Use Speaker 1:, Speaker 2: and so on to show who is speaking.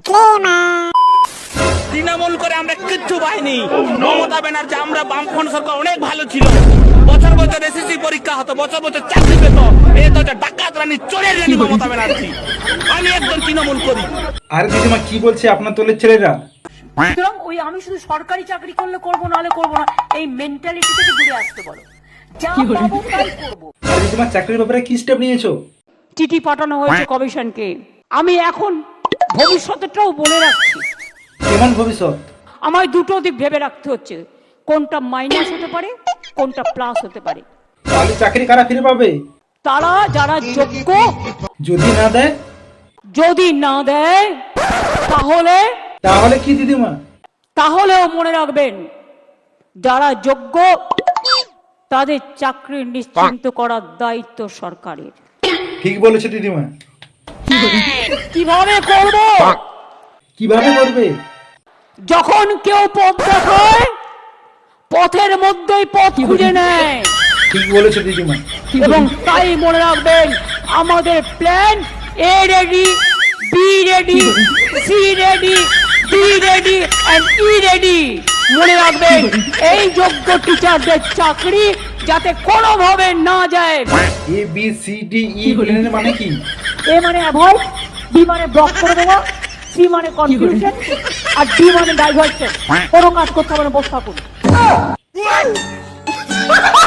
Speaker 1: তৃণমূল করে আমরা কিচ্ছু পাইনি। মমতা ব্যানার্জি আমরা বামফ্রন্ট সরকার অনেক ভালো ছিল। বছর বছর এসএসসি পরীক্ষা হতো, বছর বছর চাকরি পেত। এই তো ডাকাত রানী, চোরের রানী মমতা ব্যানার্জি। আমি একজন তৃণমূল করি।
Speaker 2: আরে দিদিমা কি বলছে আপনার দলের ছেলেরা?
Speaker 3: সুতরাং ওই আমি শুধু সরকারি চাকরি করলে করবো, নাহলে করবো না, এই মেন্টালিটি থেকে দূরে আসতে বলো। যা পাবো তাই করবো।
Speaker 2: আরে দিদিমা চাকরির ব্যাপারে কি স্টেপ নিয়েছো?
Speaker 3: চিঠি পাঠানো হয়েছে কমিশনকে। আমি এখন ভবিষ্যৎটাও বলে রাখছি।
Speaker 2: কেমন ভবিষ্যৎ?
Speaker 3: আমায় দুটো দিক ভেবে রাখতে হচ্ছে, কোনটা মাইনাস হতে পারে, কোনটা প্লাস হতে পারে।
Speaker 2: তাহলে চাকরি কারা ফিরে পাবে?
Speaker 3: তারা যারা যোগ্য।
Speaker 2: যদি না দেয়?
Speaker 3: যদি না দেয় তাহলে
Speaker 2: তাহলে কি দিদিমা?
Speaker 3: তাহলেও মনে রাখবেন, যারা যোগ্য তাদের চাকরি নিশ্চিন্ত করার দায়িত্ব সরকারের।
Speaker 2: ঠিক বলেছে দিদিমা।
Speaker 3: কিভাবে করব?
Speaker 2: কিভাবে করবে?
Speaker 3: যখন কেউ পথ দেখায়, পথের মধ্যেই পথ খুঁজে নেয়।
Speaker 2: ঠিক বলেছে দিদিমা।
Speaker 3: এবং তাই মনে রাখবেন, আমাদের plan A ready, B ready, C ready, D ready and E ready. মনে রাখবেন, এই যোগ্য টিচারদের চাকরি যাতে কোনোভাবে না যায়।
Speaker 2: A B C D E প্ল্যানের মানে কি?
Speaker 3: এ মানে অ্যাভয়েড, বি মানে ব্লক করে দেওয়া, সি মানে কনফিউশন, আর ডি মানে ডাইভার্সন। কোনো কাজ করতে হবে না, বসে থাকুন।